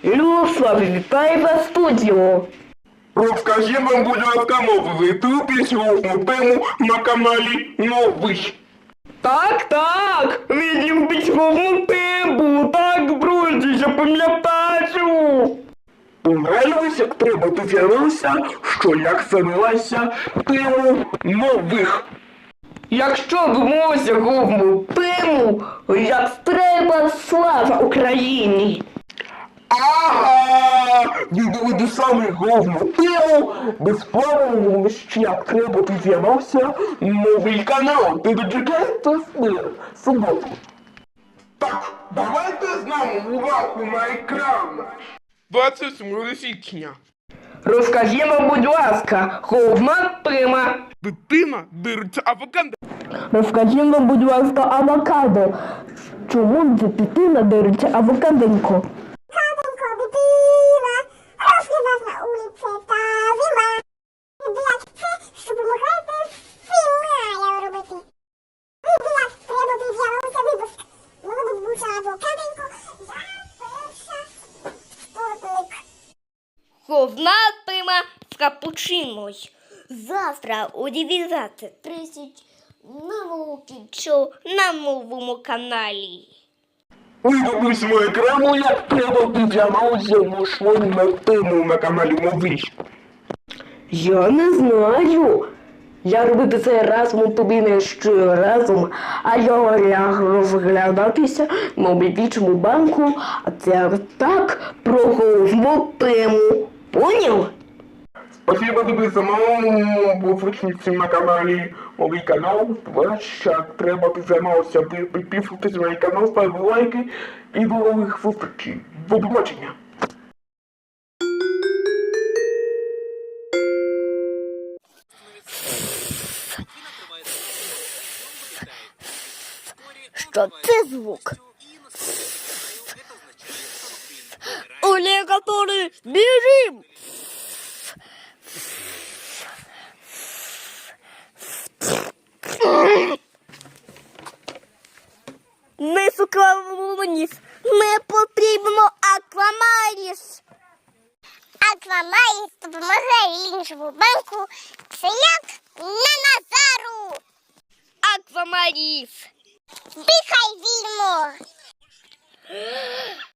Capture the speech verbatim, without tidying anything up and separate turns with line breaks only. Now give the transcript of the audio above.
Люслав, вітаю вас в студію.
Розкажи нам, будь ласка, новий ту пісню тему на каналі Новий.
Так, так, він любить головну тему, так, друзі, я пам'ятаю.
Понравилось, як треба дізнатися, що як займалася тему нових.
Якщо б мовився головну тему, як треба слава Україні.
Ага! Відео саме головну тему безплатно ще як треба дізнатися новий канал. Ти дочекаєте суботу. Так, давайте з нами увагу на екран. двадцять сьомого січня.
Розкажімо, будь ласка, головна тема.
Дитина дириться авокадо.
Розкажімо, будь ласка, авокадо. Чому дитина дириться авокаденько?
Каденько, дитина, розлива на улиці та зима. Блядь, це, що допомагаєте фінаю робити. Ви, блядь, треба під'явився випуск. Воно буча авокаденько, я перша спортник.
Головна тема з капучиною. Завтра о дев'ятнадцять тридцять на Вовчичу на новому каналі.
Вибудусь мою екрану, як треба дізнатися на тему на каналі Новий.
Я не знаю. Я робити це разом тобі не ще разом, а я ляг розглядатися на обідчому банку, а це так про головну тему. Поняв?
Спасибо тобі самому визначниці на каналі Новий канал. Ще треба дізнатися, підписуйтесь на мій канал, ставте лайки і до нових зустрічей. До побачення.
Що це звук? Аллигатори, біжим! Не сукавуніс, не потрібно аквамаріс.
Аквамаріс допомагає іншому банку, це як на Назару.
Аквамаріс.
Дихай вільно.